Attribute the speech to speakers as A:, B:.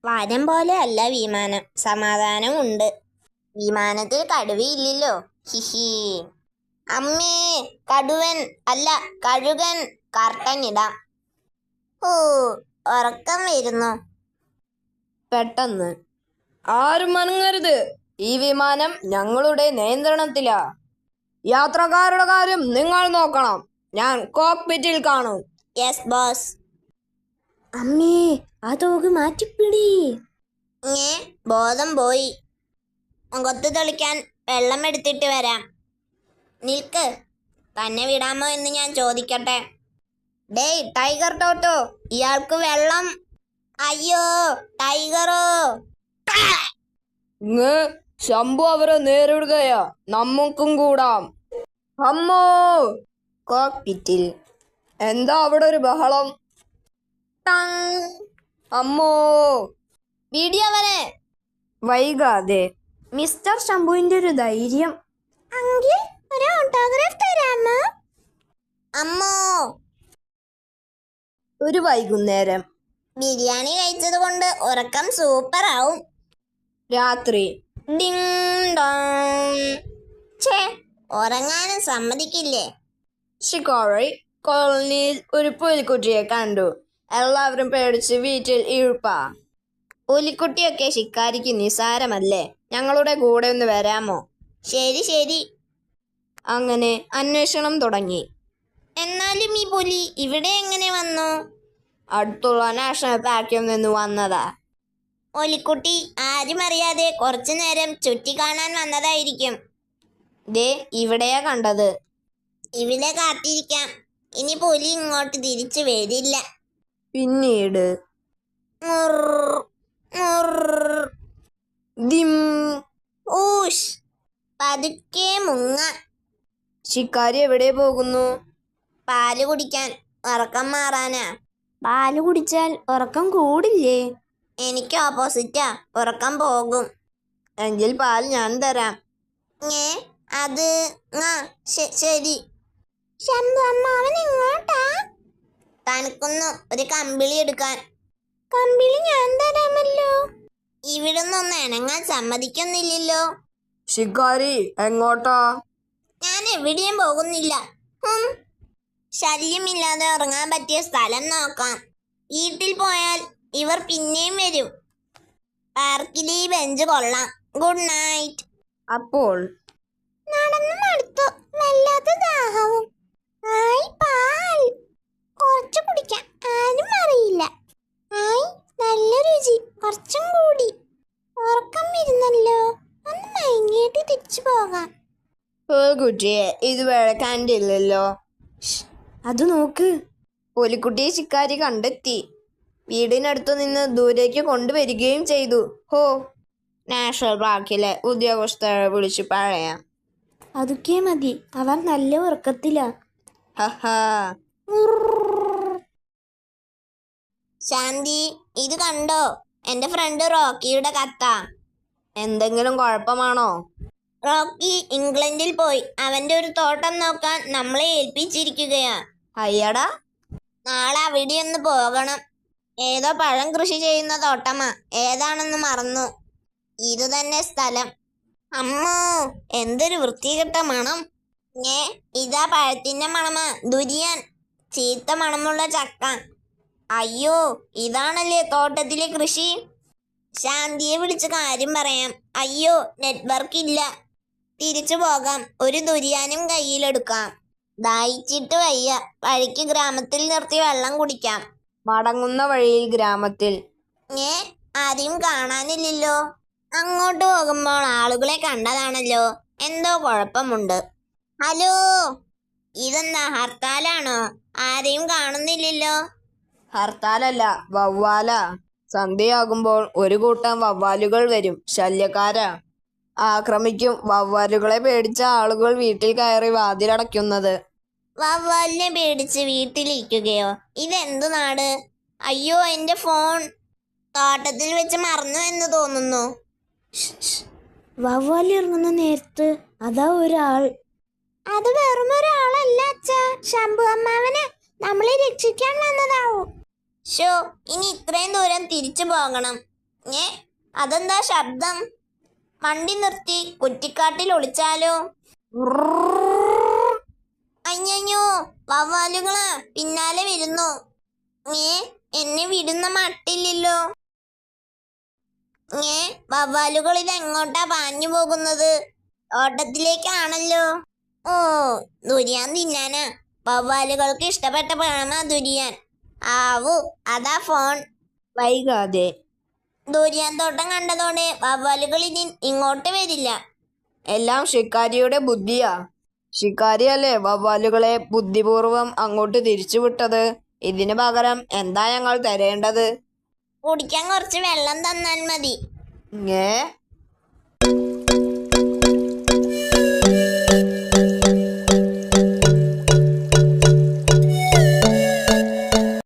A: വനം പോലെ അല്ല വിമാനം, സമാധാനമുണ്ട്. വിമാനത്തിൽ കടുവയില്ലല്ലോ. ഹിഹി. അമ്മേ, കടുവൻ അല്ല കഴുകൻ. കർട്ടൻ ഇടാം. ഓ, ഉറക്കം വരുന്നു.
B: പെട്ടെന്ന് ആരും അനങ്ങരുത്, ഈ വിമാനം ഞങ്ങളുടെ നിയന്ത്രണത്തിലാ. യാത്രക്കാരുടെ കാര്യം നിങ്ങൾ നോക്കണം, ഞാൻ കോക്പിറ്റിൽ കാണും.
A: Yes boss.
B: അമ്മേ, ആ തോക്ക് മാറ്റിപ്പിടി.
A: ബോധം പോയി. മുഖത്ത് തെളിക്കാൻ വെള്ളം എടുത്തിട്ട് വരാം. നിൽക്ക്, തന്നെ വിടാമോ എന്ന് ഞാൻ ചോദിക്കട്ടെ. ഡേയ് ടൈഗർ ടോട്ടോ, ഇയാൾക്ക് വെള്ളം. അയ്യോ ടൈഗറോ.
B: ശംഭു അവരെ നേരിടുകയാ, നമുക്കും കൂടാം. അമ്മോ. കോക്പിറ്റിൽ എന്താ അവിടെ ഒരു ബഹളം? അമ്മോ.
A: വീഡിയോവനെ.
B: വൈകാതെ. മിസ്റ്റർ ശംഭുവിന്റെ ഒരു ധൈര്യം.
A: അങ്കിൾ, ഒരു ഓട്ടോഗ്രാഫ് തരാമോ? അമ്മോ.
B: ഒരു വൈകുന്നേരം.
A: ബിരിയാണി കഴിച്ചത് കൊണ്ട് ഉറക്കം സൂപ്പർ ആവും.
B: രാത്രി.
A: Ding dong. ഛേ, ഉറങ്ങാനും സമ്മതിക്കില്ലേ?
B: ഷിക്കാരി കോളനിയിൽ ഒരു പുലിക്കുട്ടിയെ കണ്ടു. എല്ലാവരും പേടിച്ച് വീട്ടിൽ ഇഴുപ്പാ. പുലിക്കുട്ടിയൊക്കെ ശിക്കാരിക്ക് നിസാരമല്ലേ, ഞങ്ങളുടെ കൂടെ ഒന്ന് വരാമോ?
A: ശരി ശരി.
B: അങ്ങനെ അന്വേഷണം തുടങ്ങി.
A: എന്നാലും ഈ പുലി ഇവിടെ എങ്ങനെ വന്നു?
B: അടുത്തുള്ള നാഷണൽ പാർക്കിൽ നിന്ന് വന്നതാ.
A: ഒലിക്കുട്ടി ആരും അറിയാതെ കുറച്ചു നേരം ചുറ്റിക്കാണാൻ വന്നതായിരിക്കും.
B: ദേ ഇവിടെയാ കണ്ടത്.
A: ഇവിടെ കാത്തിരിക്കാം. ഇനി പുലി ഇങ്ങോട്ട് തിരിച്ചു വരില്ല.
B: പിന്നീട് ദിം.
A: ഊഷ്. പതുക്കെ മുങ്ങ.
B: ശിക്കാരി എവിടെ പോകുന്നു?
A: പാല് കുടിക്കാൻ. ഉറക്കം മാറാനാ.
B: പാല് കുടിച്ചാൽ ഉറക്കം കൂടില്ലേ?
A: എനിക്ക് ഓപ്പോസിറ്റാ, ഉറക്കം പോകും.
B: എങ്കിൽ പാൽ ഞാൻ തരാം.
A: അത് ശരി. ശംഭു അമ്മാവൻ ഇങ്ങോട്ടാ. തനിക്കൊന്ന് ഒരു കമ്പിളി എടുക്കാൻ. കമ്പിളി ഞാൻ തരാമല്ലോ. ഇവിടുന്നൊന്ന് ഇണങ്ങാൻ സമ്മതിക്കുന്നില്ലല്ലോ.
B: ശിക്കാരി എങ്ങോട്ടാ?
A: ഞാൻ എവിടെയും പോകുന്നില്ല. ശല്യമില്ലാതെ ഉറങ്ങാൻ പറ്റിയ സ്ഥലം നോക്കാം. വീട്ടിൽ പോയാൽ ഇവർ പിന്നെയും വരും. പാർക്കിലെ ഈ ബെഞ്ച് കൊള്ളാം. Good night.
B: അപ്പോൾ
A: നടന്നു മടുത്തു. വല്ലാത്ത ദാഹവും. ആയി പാൽ. കുറച്ച് കുടിക്കാം, ആരും അറിയില്ല. ആയി നല്ല രുചി, കുറച്ചും കൂടി. ഉറക്കം വരുന്നല്ലോ, ഒന്ന് മയങ്ങിയിട്ട് തിരിച്ചു പോകാം.
B: കുട്ടിയെ ഇതുവരെ കണ്ടില്ലല്ലോ. അത് നോക്ക്, പുലിക്കുട്ടിയെ ശിക്കാരി കണ്ടെത്തി. വീടിനടുത്തു നിന്ന് ദൂരേക്ക് കൊണ്ടുവരികയും ചെയ്തു. ഹോ, നാഷണൽ പാർക്കിലെ ഉദ്യോഗസ്ഥരെ വിളിച്ചു പറയാം. അതൊക്കെ മതി, അവർ നല്ല ഉറക്കത്തിലാ. ഹഹാ.
A: ശാന്തി, ഇത് കണ്ടോ? എന്റെ ഫ്രണ്ട് റോക്കിയുടെ കത്താ.
B: എന്തെങ്കിലും കുഴപ്പമാണോ?
A: റോക്കി ഇംഗ്ലണ്ടിൽ പോയി. അവന്റെ ഒരു തോട്ടം നോക്കാൻ നമ്മളെ ഏൽപ്പിച്ചിരിക്കുകയാ.
B: അയ്യടാ.
A: നാളെ അവിടെ ഒന്ന് പോകണം. ഏതോ പഴം കൃഷി ചെയ്യുന്ന തോട്ടമാ, ഏതാണെന്ന് മറന്നു. ഇത് തന്നെ സ്ഥലം. അമ്മോ, എന്തൊരു വൃത്തികെട്ട മണം. ഇതാ പഴത്തിന്റെ മണമാ. ദുരിയാൻ. ചീത്ത മണമുള്ള ചക്ക. അയ്യോ, ഇതാണല്ലേ തോട്ടത്തിലെ കൃഷി. ശാന്തിയെ വിളിച്ച് കാര്യം പറയാം. അയ്യോ, നെറ്റ്വർക്ക് ഇല്ല. തിരിച്ചു പോകാം. ഒരു ദുരിയാനും കയ്യിലെടുക്കാം. ദാഹിച്ചിട്ട് വയ്യ. വഴിക്ക് ഗ്രാമത്തിൽ നിർത്തി വെള്ളം കുടിക്കാം.
B: മടങ്ങുന്ന വഴിയിൽ ഗ്രാമത്തിൽ.
A: ആരെയും കാണാനില്ലല്ലോ. അങ്ങോട്ട് പോകുമ്പോൾ ആളുകളെ കണ്ടതാണല്ലോ. എന്തോ കുഴപ്പമുണ്ട്. ഹലോ, ഇതെന്താ ഹർത്താലാണോ? ആരെയും കാണുന്നില്ലല്ലോ.
B: ഹർത്താലല്ല, വവ്വാല. സന്ധ്യയാകുമ്പോൾ ഒരു കൂട്ടം വവ്വാലുകൾ വരും. ശല്യക്കാരാ. ആക്രമിക്കും. വവ്വാലുകളെ പേടിച്ച ആളുകൾ വീട്ടിൽ കയറി വാതിലടയ്ക്കുന്നത്.
A: വവ്വാലിനെ പേടിച്ച് വീട്ടിലിരിക്കുകയോ? ഇതെന്തു നാട്? അയ്യോ, എന്റെ ഫോൺ തോട്ടത്തിൽ വെച്ച് മറന്നു എന്ന് തോന്നുന്നു.
B: വവ്വാലി ഇറങ്ങുന്ന നേരത്ത് അതാ ഒരാൾ.
A: അത് വെറും ഒരാളല്ല അച്ഛാ, ശംഭു അമ്മാവന് നമ്മളെ രക്ഷിക്കാൻ വന്നതാവും. ഷോ, ഇനി ഇത്രയും ദൂരം തിരിച്ചു പോകണം. ഏ അതെന്താ ശബ്ദം? വണ്ടി നിർത്തി കുറ്റിക്കാട്ടിൽ ഒളിച്ചാലോ? അയ്യോ, വവ്വാലുകളാ പിന്നാലെ വരുന്നു. എന്നെ വിടുന്ന മട്ടില്ലല്ലോ. വവ്വാലുകൾ ഇത് എങ്ങോട്ടാ പാഞ്ഞു പോകുന്നത്? ഓട്ടത്തിലേക്കാണല്ലോ. ഓ, ദുരിയാൻ തിന്നാനാ. വവ്വാലുകൾക്ക് ഇഷ്ടപ്പെട്ട പഴമാ ദുരിയാൻ. ആവൂ, അതാ ഫോൺ.
B: വൈകാതെ
A: ദുരിയാൻ തോട്ടം കണ്ടതോടെ വവ്വാലുകൾ ഇനി ഇങ്ങോട്ട് വരില്ല.
B: എല്ലാം ഷിക്കാരിയുടെ ബുദ്ധിയാ. ഷിക്കാരിയല്ലേ വവ്വാലുകളെ ബുദ്ധിപൂർവം അങ്ങോട്ട് തിരിച്ചുവിട്ടത്. ഇതിന് പകരം എന്താ ഞങ്ങൾ തരേണ്ടത്?
A: കുടിക്കാൻ കുറച്ച് വെള്ളം തന്നാൽ മതി.
B: ഏ